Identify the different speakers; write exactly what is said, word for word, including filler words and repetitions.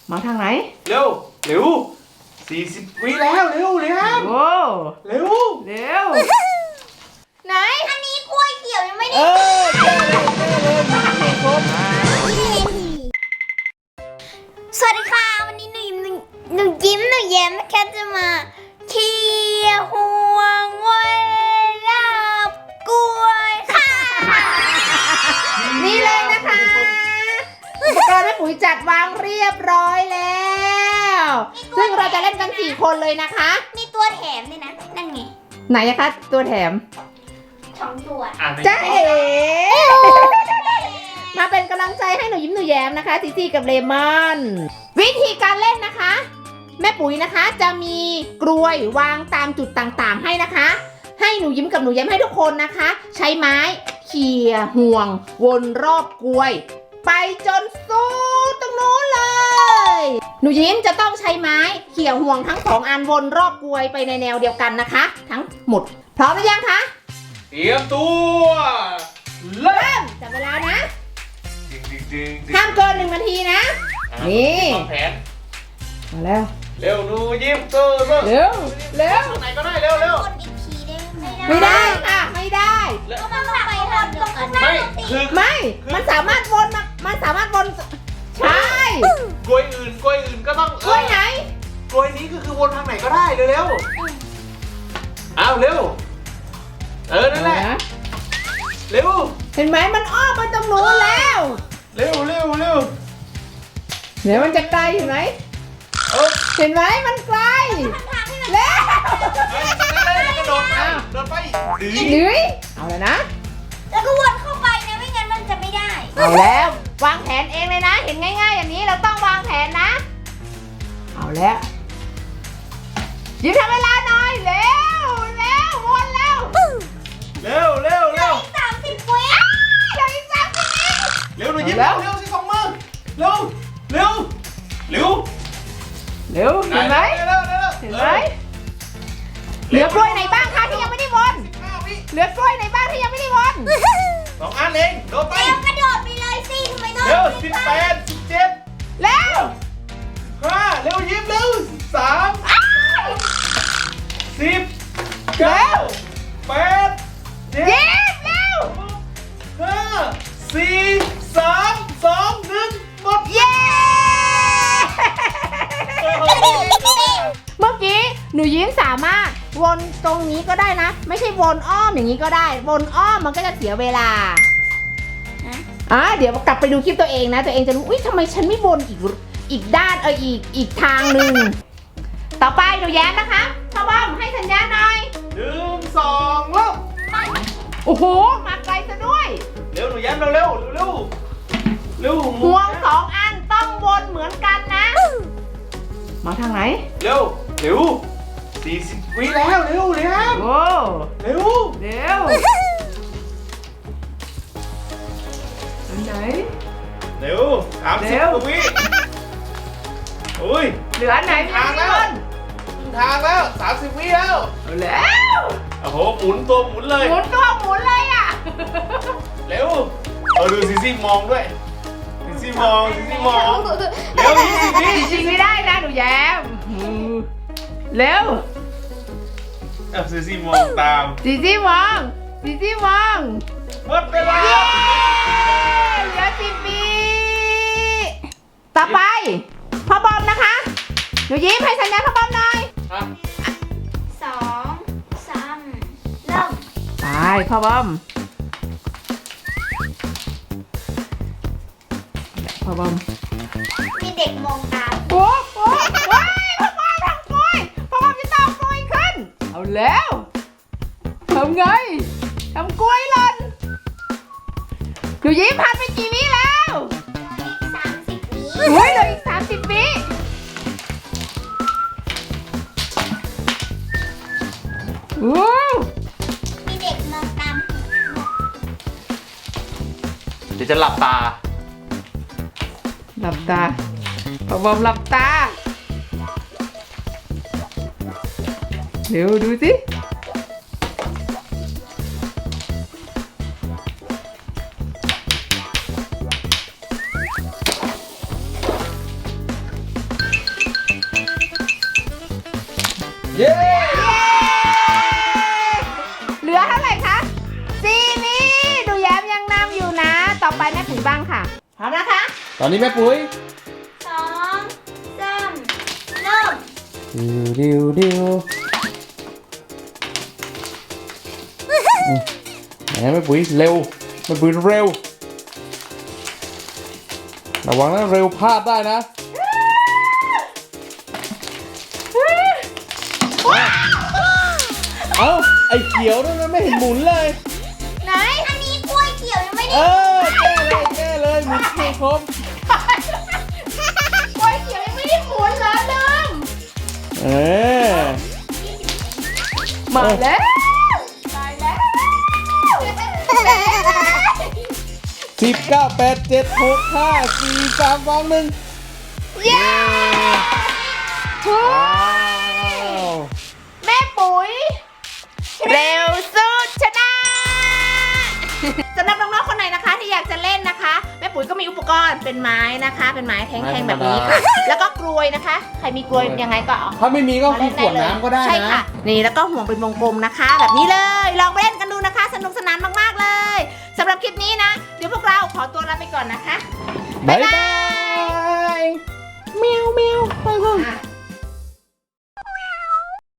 Speaker 1: มาทางไหน
Speaker 2: เร็วเร็วสี่สิบวิแล้วเร็วเร็ว
Speaker 1: โอ้
Speaker 2: เร็ว
Speaker 1: เร็วไหน
Speaker 3: อันนี้กล้วยเขียวยังไม่ได้
Speaker 1: เออเจอเลยเจอเลยมีเพลงครบ
Speaker 3: สวัสดีค่ะวันนี้หนูยิ้มหนูยิ้มหนูแย้มนะคะจะมาเคี่ยวห่วงวันลาบกล้วยค่ะ
Speaker 1: นี่เลยนะคะอุปกรณ์แม่ปุ๋ยจัดวางเรียบร้อยแล้วซึ่งเราจะเล่นกันสี่คนเลยนะคะ
Speaker 3: มีตัวแถมด้วยนะนั่นไง
Speaker 1: ไหนอะคะตัวแถม
Speaker 3: สองตัว
Speaker 1: จ้าเอ๋มาเป็นกำลังใจให้หนูยิ้มหนูแย้มนะคะจีจี้กับเลมอนวิธีการเล่นนะคะแม่ปุ๋ยนะคะจะมีกลวยวางตามจุดต่างๆให้นะคะให้หนูยิ้มกับหนูแย้มให้ทุกคนนะคะใช้ไม้เขี่ยห่วงวนรอบกลวยไปจนสุดตรงนู้นเลยหนูยิ้มจะต้องใช้ไม้เขี่ยห่วงทั้งสองอันวนรอบกลวยไปในแนวเดียวกันนะคะทั้งหมดพร้อมหรือยังคะ
Speaker 2: เตรียมตัวเริ่ม
Speaker 1: จับเวลานะห้ามเกินหนึ่งนาทีนะนี่
Speaker 2: แผน
Speaker 1: มาแล้ว
Speaker 2: เร็วหนูยิ้มตัวเร็ว
Speaker 1: เร็วเร็ว
Speaker 2: ไหนก็ได้เร็วเร็ว
Speaker 3: กดอีกทีได้ไหม
Speaker 1: ไม่ได้ค่ะไม่ได้
Speaker 3: ก็มันไปทำตรงข้างหน้า
Speaker 2: คือ
Speaker 1: ไม่มันสามารถวนมามันสามารถวนใช่
Speaker 2: กล้วยอื่นกล้วยอื่นก็ต้อง
Speaker 1: กล้วยไหน
Speaker 2: กล้วยนี้ก็คือวนทางไหนก็ได้เร็วเร็วเอาเร็วเออนั่นแหละเร็ว
Speaker 1: เห็นไหมมันอ้อมไปตรงนู้นแล้ว
Speaker 2: เร็วเร็วเร็ว
Speaker 1: เดี๋ยวมันจะไกลเห็นไหมเห็นไหมมันไกลแล้ว
Speaker 2: กระโดดไปโดดไป
Speaker 1: ดื้อเอาเลยนะ
Speaker 3: แล้วก็วนเข้าไปนะไม่งั้นมันจะไม่ได้
Speaker 1: เอาแล้ววางแผนเองเลยนะเห็นง่ายๆอย่างนี้เราต้องวางแผนนะเอาแล้วยิ้มทำเวลาหน่อยเร็วเร็ววนแล้ว
Speaker 2: เร็วเร็วเร็ว
Speaker 3: สามสิบวิ
Speaker 1: เดี๋ยวอีกสามสิบวิ
Speaker 2: เร็วหนูยิ้มเร็วเร็วสิสองมือเร็วเร็วเร็ว
Speaker 1: เร็วเห็นไหมเห็นไหมเหลือกล้วยไหนบ้างคะที่ยังไม่ได้วนเหลือกล้วยไหนบ้างที่ยังไม่ได้วน
Speaker 2: สองอันเองโดดไป
Speaker 3: เร็วกระโดดไปเลยสิทำไมต้อง
Speaker 2: เร็วสิบแปดสิบเจ็ด
Speaker 1: เร็ว
Speaker 2: ห้าเร็วยิ้มเร็วสามสิบเก้าแปดเจ็ด
Speaker 1: ยิ้มเร็ว
Speaker 2: ห้าสี่สามสองหนึ่งหมด
Speaker 1: เย้เมื่อกี้หนูยิ้มสามารถวนตรงนี้ก็ได้นะไม่ใช่วนอ้อมอย่างนี้ก็ได้วนอ้อมมันก็จะเสียเวลาอ่ะเดี๋ยวกลับไปดูคลิปตัวเองนะตัวเองจะรู้อุ้ยทำไมฉันไม่วนอีกอีกด้านเอออีกอีกทางหนึ่งต่อไปหนูแย้มนะคะพ่อบอมให้สัญญาณหน่อย
Speaker 2: หนึ่งสองเริ่ม
Speaker 1: โอ้โหมาไกลซะด้วย
Speaker 2: เร็วหนูแย้มเร็วเร็วเร็วเร็ว
Speaker 1: ห่วงสองอันต้องวนเหมือนกันนะมาทางไหน
Speaker 2: เร็วเร็วสี่สิบวิแล้วเร็วเร็ว
Speaker 1: โอ้
Speaker 2: เร็ว
Speaker 1: เร็วอันไหน
Speaker 2: เร็วสามสิบวิโอ้ย
Speaker 1: เหลือไหน
Speaker 2: ทางแล้วทางแล้วสามสิบวิแล้ว
Speaker 1: แล้ว
Speaker 2: โอ้โหหมุนตัวหมุนเลย
Speaker 1: หมุนตัวหมุนเลยอ่ะ
Speaker 2: เร็วเออดูซิซี่มองด้วยซิซี่มองซิซี่มองเร็วยี่สิบวิ
Speaker 1: จริงไม่ได้นะหนูแย้มเร็ว
Speaker 2: อ่ะซิซี่มองตาม
Speaker 1: ซิซี่มองซิซี่มอง
Speaker 2: หมดเวลา
Speaker 1: เหลือสิบวิต่อไปพ่อบอมนะคะหนูยิ้มให้สัญญาณพ่อบอมหน่อย
Speaker 3: สองสามเริ่ม
Speaker 1: ไปพ่อบอมพ่อบอม
Speaker 3: มีเด็กมองตา
Speaker 1: โอ้โหว้ายพ่อบอมทำกล้วยพ่อบอมจะต้องกล้วยขึ้นเอาแล้วทำไงทำกล้วยหล่นหนูยิ้มผ่านไปกี่วิแล้ว
Speaker 3: สามสิบวิ
Speaker 1: เฮ้ยเหลืออีกสามสิบวิโอ้
Speaker 3: มีเด็กมองตาม
Speaker 2: เดี๋ยวจะหลับตา
Speaker 1: หลับตาพ่อบอมหลับตาเร็วดูสิ
Speaker 2: เย้
Speaker 1: เหลือเท่าไหร่คะสี่นี่หนูแย้มยังนำอยู่นะ ต่อไปแม่ปุ๋ยบ้างค่ะพร้อมนะคะ
Speaker 2: ตอนนี้แม่ปุ๋ย
Speaker 3: สองสามเริ่ม
Speaker 2: ดิวดิวดิวไหนแม่ปุ๋ยเร็วแม่ปุ๋ยเร็วระวังนะเร็วพลาดได้นะเอ้าไอ้เขียวนั่นมันไม่เห็นหมุนเลย
Speaker 3: ไหนอันนี้กล้วยเขียวยังไม่
Speaker 2: เอ
Speaker 3: ได้
Speaker 2: อแก้เลยแก้เลยหมุนให้ครบ
Speaker 1: กล้วยเขียวยังไม่ได้หมุนเหรอลืม
Speaker 2: เออ
Speaker 1: มาแล้วตายแล้ว
Speaker 2: สิบเก้าแปดเจ็ดหกห้าสี่สามสองหนึ่ง
Speaker 1: เย้เฮ้ยแม่ปุ๋ย เร็วสุดชนะสำหรับน้องๆคนไหนนะคะที่อยากจะเล่นนะคะ แม่ปุ๋ยก็มีอุปกรณ์เป็นไม้นะคะ เป็นไม้แท่งๆแบบนี้ค่ะ แล้วก็กลวยนะคะ ใครมีกลวยยังไงก็เอา
Speaker 2: ถ้าไม่มีก็
Speaker 1: มา
Speaker 2: คื
Speaker 1: เล่
Speaker 2: อน ข
Speaker 1: ได้
Speaker 2: วด
Speaker 1: เลย
Speaker 2: น้ำก็ได้
Speaker 1: ใช่
Speaker 2: นะ
Speaker 1: ค่ะ นี่แล้วก็ห่วงเป็นวงกลมนะคะ แบบนี้เลยลองไปเล่นกันดูนะคะ สนุกสนานมากๆเลยสำหรับคลิปนี้นะ เดี๋ยวพวกเราขอตัวลาไปก่อนนะคะ
Speaker 2: บ๊ายบายเมียวเมียวไปก่อน
Speaker 1: อ่ะ